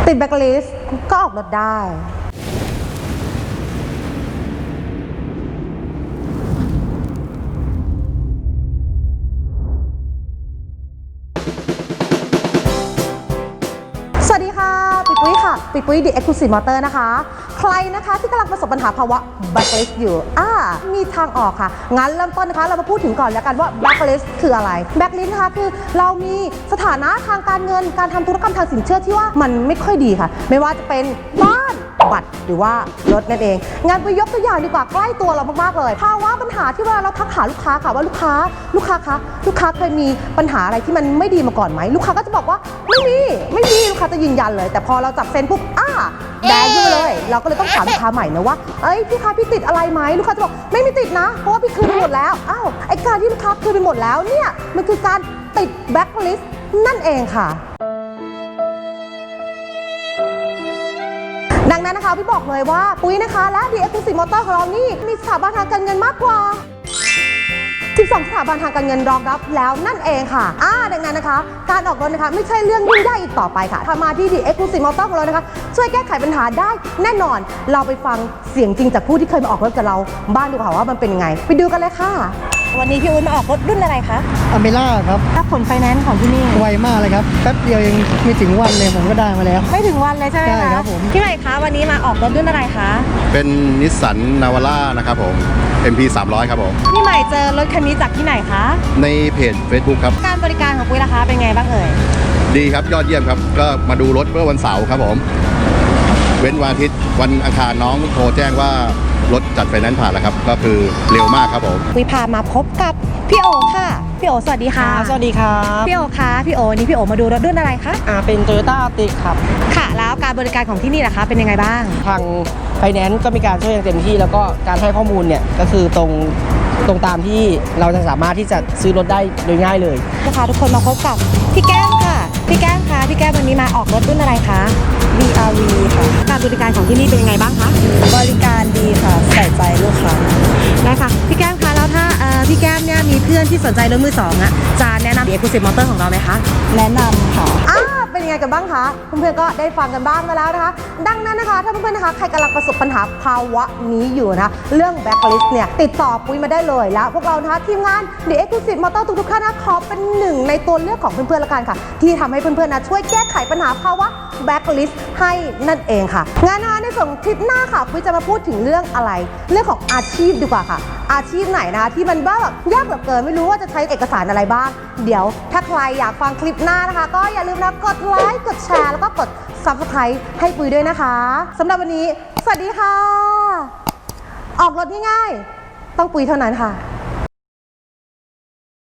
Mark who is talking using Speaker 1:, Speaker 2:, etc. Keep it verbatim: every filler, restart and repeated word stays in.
Speaker 1: ติดแบ็คลิสต์ก็ออกรถได้สวัสดีค่ะปิ๊กปุ้ยค่ะปิ๊กปุ้ย The Exclusive Motor นะคะใครนะคะที่กำลังประสบปัญหาภาวะ Blacklist อยู่อ่ามีทางออกค่ะงั้นเริ่มต้นนะคะเรามาพูดถึงก่อนแล้วกันว่า Blacklist คืออะไร Blacklist นะคะคือเรามีสถานะทางการเงินการทำธุรกรรมทางสินเชื่อที่ว่ามันไม่ค่อยดีค่ะไม่ว่าจะเป็นบ้านบัตรหรือว่ารถนั่นเองงานไปยกตัวอย่างดีกว่าใกล้ตัวเรามากๆเลยภาวะปัญหาที่เวลาเราทักหาลูกค้าค่ะว่าลูกค้าลูกค้าคะลูกค้าเคยมีปัญหาอะไรที่มันไม่ดีมาก่อนไหมลูกค้าก็จะบอกว่าไม่มีไม่มีลูกค้าจะยืนยันเลยแต่พอเราจับเซ็นปุ๊บอ้าแดงขึ้นเลยเราก็เลยต้องถามลูกค้าใหม่นะว่าเอ้ยพี่คะพี่ติดอะไรไหมลูกค้าจะบอกไม่มีติดนะเพราะว่าพี่คืนไปหมดแล้วอ้าวไอการที่ลูกค้าคืนไปหมดแล้วเนี่ยมันคือการติดแบ็คลิสต์นั่นเองค่ะดังนั้นนะคะพี่บอกเลยว่าปุ้ยนะคะและ The Exclusive Motor ของเรานี่มีสถาบันทางการเงินมากกว่าสิบสองสถาบันทางการเงินรองรับแล้วนั่นเองค่ะอ่าดังนั้นนะคะการออกรถนะคะไม่ใช่เรื่องยุ่งยากอีกต่อไปค่ะถ้ามาที่ The Exclusive Motor ของเรานะคะช่วยแก้ไขปัญหาได้แน่นอนเราไปฟังเสียงจริงจากผู้ที่เคยมาออกรถกับเราบ้างดีกว่าว่ามันเป็นยังไงไปดูกันเลยค่ะวันนี้พี่อุ้ยมาออกรถรุ่นอะไรคะ
Speaker 2: อเมล่าครับ
Speaker 1: ถ้าผลไฟแนนซ์ของที่นี่
Speaker 2: ไวมากเลยครับแป๊บเดียวเองไม่ถึงวันเลยผมก็ได้มาแล้ว
Speaker 1: ไม่ถึงวันเลยใช่ไหมคะ
Speaker 2: ใช่ครับผม
Speaker 1: พี่ใหม่คะวันนี้มาออกรถรุ่นอะไรคะ
Speaker 3: เป็นนิสสันนาวาร่านะครับผม เอ็ม พี สามร้อยครับผม
Speaker 1: พี่ใหม่เจอรถคันนี้จากที่ไหนคะ
Speaker 3: ในเพจ Facebook ครับ
Speaker 1: การบริการของปุ้ยราคาเป็นไงบ้างเอ่ย
Speaker 3: ดีครับยอดเยี่ยมครับก็มาดูรถเมื่อวันเสาร์ครับผมเว้นวันอาทิตย์วันอังคารน้องโทรแจ้งว่ารถจัดไฟแนนซ์ผ่านแล้วครับก็คือเร็วมากครับผม
Speaker 1: ปุ้ยพามาพบกับพี่โอค่ะพี่โอสวัสดีค่ะ
Speaker 2: สวัสดีครับ
Speaker 1: พี่โอคะพี่โอนี่พี่โอมาดูรถรุ่นอะไรคะ
Speaker 2: อ่าเป็น Toyota Altis ครับ
Speaker 1: ค่ะแล้วการบริการของที่นี่ล่ะคะเป็นยังไงบ้าง
Speaker 2: ทางไฟแนนซ์ก็มีการช่วยอย่างเต็มที่แล้วก็การให้ข้อมูลเนี่ยก็คือตรงตรงตามที่เราจะสามารถที่จะซื้อรถได้โดยง่ายเลย
Speaker 1: ลูกค้าทุกคนมาพบกับพี่แก้มค่ะพี่แก้มคะพี่แก้มวันนี้มาออกรถรุ่นอะไรคะ
Speaker 4: บี อาร์ วี ค่ะ
Speaker 1: การบริการของที่นี่เป็นยังไงบ้างคะ
Speaker 4: บริการดีค่ะใส่ใจลูกค้า
Speaker 1: ได้ค่ะพี่แก้มคะแล้วถ้าพี่แก้มเนี่ยมีเพื่อนที่สนใจรถมือสองอ่ะจะแนะนำ The Exclusive Motor ของเราไหมคะ
Speaker 4: แนะนำค่ะ
Speaker 1: อ่าเป็นยังไงกันบ้างคะเพื่อนๆก็ได้ฟังกันบ้างมาแล้วนะคะดังนั้นนะคะถ้าเพื่อนๆนะคะใครกำลังประสบปัญหาภาวะนี้อยู่นะเรื่อง Blacklist เนี่ยติดต่อปุ้ยมาได้เลยแล้วพวกเรานะคะทีมงาน The Exclusive Motor ทุกๆท่านนะขอเป็นหนึ่งในตัวเลือกของเพื่อนๆละกันค่ะที่ทำให้เพื่อนๆนะช่วยแก้ไขปัญหาภาวะ Blacklist ให้นั่นเองค่ะงานนะคะในส่วนคลิปหน้าค่ะปุ้ยจะมาพูดถึงเรื่องอะไรเรื่องของอาชีพดีกว่าค่ะอาชีพไหนนะคะที่มันแบบยากเหลือเกินไม่รู้ว่าจะใช้เอกสารอะไรบ้างเดี๋ยวถ้าใครอยากฟังคลิปหน้านะคะก็อย่าลืมนะกดไลค์กดแชร์แล้วก็กด ซับสไครบ์ ให้ปุ้ยด้วยนะคะสำหรับวันนี้สวัสดีค่ะออกรถง่ายๆต้องปุ้ยเท่านั้นค่ะ